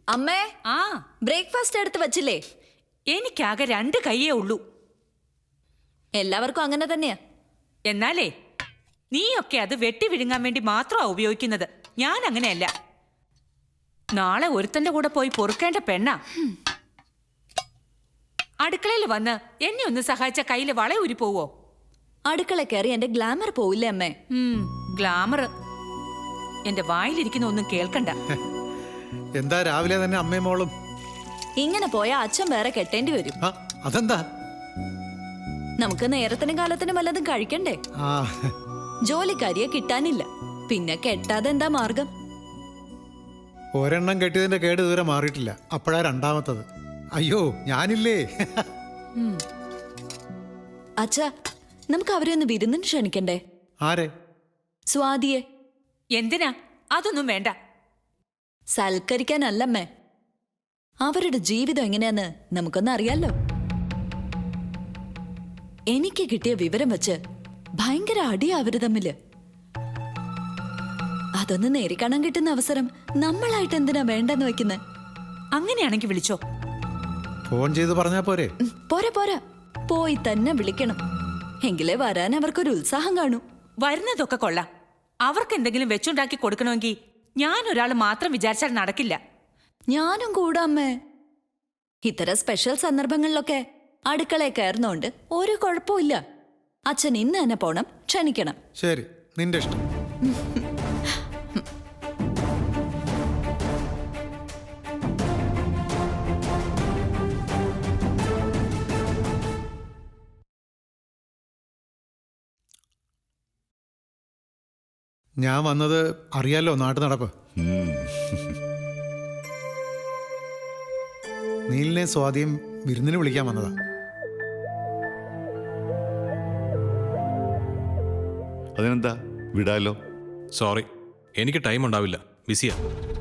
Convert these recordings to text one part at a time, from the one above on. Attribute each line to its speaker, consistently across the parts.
Speaker 1: അമ്മേ,
Speaker 2: ആ
Speaker 1: ബ്രേക്ക്ഫാസ്റ്റ് എടുത്ത് വച്ചില്ലേ?
Speaker 2: എനിക്കാകെ 2 കൈയേ ഉള്ളൂ.
Speaker 1: എല്ലാവർക്കും അങ്ങനെ തന്നെയാ.
Speaker 2: എന്നാലേ നീയൊക്കെ അത് വെട്ടി വിഴുങ്ങാൻ വേണ്ടി മാത്രമാ ഉപയോഗിക്കുന്നത്. ഞാൻ അങ്ങനെയല്ല. നാളെ ഒരുത്തന്റെ കൂടെ പോയി പൊറുക്കേണ്ട പെണ്ണാ. അടുക്കളയിൽ വന്ന് എന്നെ ഒന്ന് സഹായിച്ച കയ്യില് വളയൂരി പോവോ?
Speaker 1: അടുക്കള കയറി എന്റെ ഗ്ലാമർ പോവില്ലേ അമ്മേ?
Speaker 2: ഗ്ലാമർ എന്റെ വായിലിരിക്കുന്ന ഒന്നും കേൾക്കണ്ട.
Speaker 3: എന്താ രാവിലെ തന്നെ അമ്മയും മോളും?
Speaker 1: ഇങ്ങനെ പോയാ അച്ഛൻ വേറെ കെട്ടേണ്ടി വരും.
Speaker 3: അതെന്താ?
Speaker 1: നമുക്ക് നേരത്തിനും കാലത്തിനും വല്ലതും കഴിക്കണ്ടേ? ജോലിക്കാരിയെ കിട്ടാനില്ല, പിന്നെ കെട്ടാതെ എന്താ മാർഗം?
Speaker 3: ഒരെണ്ണം കെട്ടിയതിന്റെ കേട് ഇതുവരെ മാറിയിട്ടില്ല, അപ്പോഴാ രണ്ടാമത്തത്. അയ്യോ ഞാനില്ലേ.
Speaker 1: അച്ഛാ, നമുക്ക് അവരെ ഒന്ന് വിരുന്നിന് ക്ഷണിക്കണ്ടേ?
Speaker 3: ആരെ?
Speaker 1: സ്വാതിയെ.
Speaker 2: എന്തിനാ? അതൊന്നും വേണ്ട.
Speaker 1: സൽക്കരിക്കാനല്ലമ്മേ, അവരുടെ ജീവിതം എങ്ങനെയാന്ന് നമുക്കൊന്ന് അറിയാലോ. എനിക്ക് കിട്ടിയ വിവരം വെച്ച് ഭയങ്കര അടിയാ അവര് തമ്മില്. അതൊന്ന് നേരിക്കാണാൻ കിട്ടുന്ന അവസരം നമ്മളായിട്ട് എന്തിനാ വേണ്ടെന്ന് വെക്കുന്നത്?
Speaker 2: അങ്ങനെയാണെങ്കിൽ വിളിച്ചോ.
Speaker 3: ഫോൺ ചെയ്ത് പറഞ്ഞാ പോരെ?
Speaker 1: പോരാ പോരാ, പോയി തന്നെ വിളിക്കണം. എങ്കിലേ വരാൻ അവർക്കൊരു ഉത്സാഹം കാണൂ.
Speaker 2: വരുന്നതൊക്കെ കൊള്ളാം. അവർക്ക് എന്തെങ്കിലും വെച്ചുണ്ടാക്കി കൊടുക്കണമെങ്കിൽ ഞാൻ ഒരാൾ മാത്രം വിചാരിച്ചാൽ നടക്കില്ല.
Speaker 1: ഞാനും കൂടാമ്മേ. ഇത്തരം സ്പെഷ്യൽ സന്ദർഭങ്ങളിലൊക്കെ അടുക്കളയിൽ കയറുന്നോണ്ട് ഒരു കുഴപ്പമില്ല. അച്ഛൻ ഇന്ന് തന്നെ പോണം, ക്ഷണിക്കണം.
Speaker 3: ശരി, നിന്റെ ഇഷ്ടം. ഞാൻ വന്നത് അറിയാലോ, നാട്ടു നടപ്പ്. നീലിനെ സ്വാതിയും വിരുന്നിന് വിളിക്കാൻ വന്നതാ.
Speaker 4: അതിനെന്താ, വിടാലോ.
Speaker 5: സോറി, എനിക്ക് ടൈം ഉണ്ടാവില്ല, ബിസിയാ.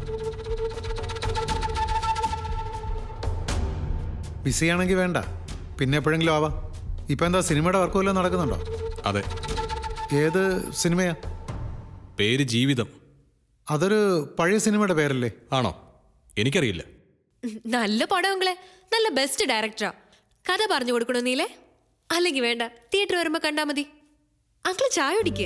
Speaker 3: ബിസിയാണെങ്കിൽ വേണ്ട, പിന്നെ എപ്പോഴെങ്കിലും ആവാം. ഇപ്പം എന്താ, സിനിമയുടെ വർക്ക് വല്ലതും നടക്കുന്നുണ്ടോ?
Speaker 5: അതെ.
Speaker 3: ഏത് സിനിമയാ?
Speaker 5: പേര് ജീവിതം.
Speaker 3: അതൊരു പഴയ സിനിമയുടെ പേരല്ലേ?
Speaker 5: ആണോ? എനിക്കറിയില്ല.
Speaker 6: നല്ല പടങ്ങളെ, നല്ല ബെസ്റ്റ് ഡയറക്ടറാ. കഥ പറഞ്ഞു കൊടുക്കണോ നീലേ? അല്ലെങ്കിൽ വേണ്ട, തിയേറ്റർ വരുമ്പോ കണ്ടാ മതി. അങ്കിള് ചായ കുടിക്ക്.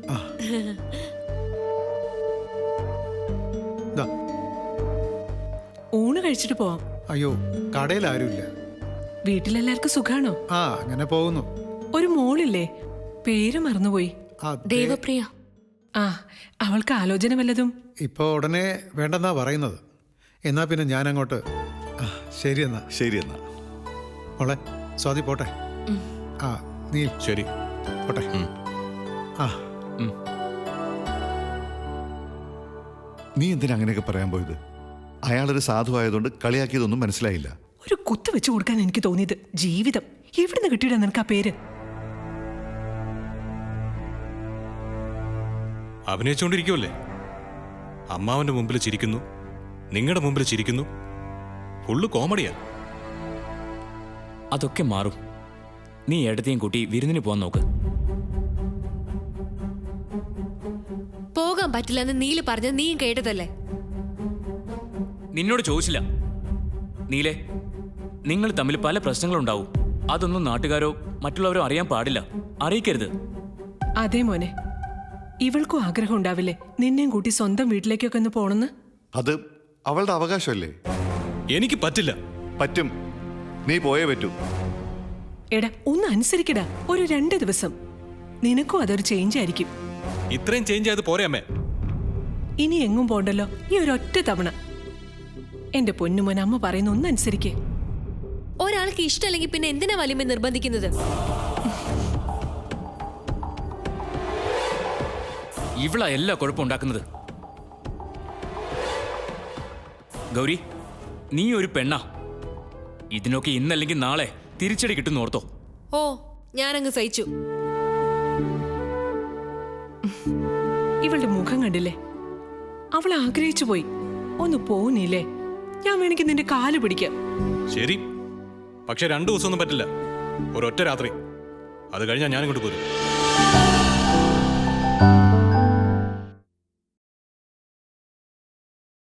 Speaker 7: ഊണ് കഴിച്ചിട്ട് പോവാം.
Speaker 3: അയ്യോ, കടയിൽ ആരുമില്ല.
Speaker 7: വീട്ടിലെല്ലാവർക്കും സുഖാണോ?
Speaker 3: ആ, അങ്ങനെ പോകുന്നു.
Speaker 7: ഒരു മോളില്ലേ, പേര് മറന്നുപോയി.
Speaker 6: ദേവപ്രിയ.
Speaker 7: ആ, അവൾക്ക് ആലോചന വല്ലതും?
Speaker 3: ഇപ്പൊ ഉടനെ വേണ്ടെന്നാ പറയുന്നത്. എന്നാ പിന്നെ ഞാൻ അങ്ങോട്ട്. ശരി എന്നാ.
Speaker 4: ശരി എന്നാ.
Speaker 3: മോളെ സ്വാതി പോട്ടെ. ആ, നീ
Speaker 5: ശരി,
Speaker 3: പോട്ടെ. ആ,
Speaker 4: നീ എന്തിനാ അങ്ങനെയൊക്കെ പറയാൻ പോയത്? അയാളൊരു സാധുവായതുകൊണ്ട് കളിയാക്കിയതൊന്നും മനസ്സിലായില്ല.
Speaker 7: ഒരു കുത്ത് വെച്ച് കൊടുക്കാൻ എനിക്ക് തോന്നിയത്. ജീവിതം എവിടുന്ന് കിട്ടിയിടാ നിനക്ക് ആ പേര്?
Speaker 5: അഭിനയിച്ചുകൊണ്ടിരിക്കുമല്ലേ. അമ്മാവന്റെ മുമ്പിൽ ചിരിക്കുന്നു, നിങ്ങളുടെ മുമ്പിൽ ചിരിക്കുന്നു. ഫുള്ള് കോമഡിയാ.
Speaker 8: അതൊക്കെ മാറും. നീ എടുത്തേയും കൂട്ടി വിരുന്നിന് പോകാൻ നോക്ക്.
Speaker 6: പോകാൻ പറ്റില്ലെന്ന് നീല് പറഞ്ഞത് നീയും കേട്ടതല്ലേ?
Speaker 8: നിന്നോട് ചോദിച്ചില്ല. നീലേ, നിങ്ങൾ തമ്മിൽ പല പ്രശ്നങ്ങളുണ്ടാവും. അതൊന്നും നാട്ടുകാരോ മറ്റുള്ളവരോ അറിയാൻ പാടില്ല. അറിയിക്കരുത്.
Speaker 7: അതേ മോനെ, ഇവൾക്കും ആഗ്രഹം ഉണ്ടാവില്ലേ നിന്നെയും കൂട്ടി സ്വന്തം വീട്ടിലേക്കൊക്കെ ഒന്ന് പോണെന്ന്?
Speaker 4: അത് അവളുടെ അവകാശമല്ലേ.
Speaker 5: എനിക്ക് പറ്റില്ല.
Speaker 4: പറ്റും, നീ പോയേ പറ്റൂ.
Speaker 7: എടാ, ഒന്ന് അനുസരിക്കടാ. ഒരു 2 ദിവസം നിനക്കും അതൊരു ചേഞ്ച് ആയിരിക്കും.
Speaker 5: ഇത്രയും ചേഞ്ച് ആയത് പോരെ അമ്മേ?
Speaker 7: ഇനി എങ്ങും പോണ്ടല്ലോ, ഈ ഒരൊറ്റ തവണ. എന്റെ പൊന്നുമോൻ, അമ്മ പറയുന്ന ഒന്ന് അനുസരിക്കേ.
Speaker 6: ഒരാൾക്ക് ഇഷ്ടമല്ലെങ്കിൽ പിന്നെ എന്തിനാ വലിമ നിർബന്ധിക്കുന്നത്?
Speaker 8: ഇവളാ എല്ലാ കുഴപ്പം ഉണ്ടാക്കുന്നത്. ഗൗരി, നീ ഒരു പെണ്ണാ. ഇതിനൊക്കെ ഇന്നല്ലെങ്കിൽ നാളെ തിരിച്ചടി കിട്ടുന്ന ഓർത്തോ.
Speaker 6: ഓ, ഞാനങ്ങ് സഹിച്ചു.
Speaker 7: ഇവളുടെ മുഖം കണ്ടില്ലേ? അവൾ ആഗ്രഹിച്ചു പോയി. ഒന്ന് പോന്നില്ലേ? ഞാൻ വേണമെങ്കിൽ നിന്റെ കാല് പിടിക്കാം.
Speaker 5: ശരി, പക്ഷെ 2 ദിവസമൊന്നും പറ്റില്ല. ഒരൊറ്റ രാത്രി. അത് കഴിഞ്ഞാൽ ഞാനിങ്ങോട്ട് പോരും.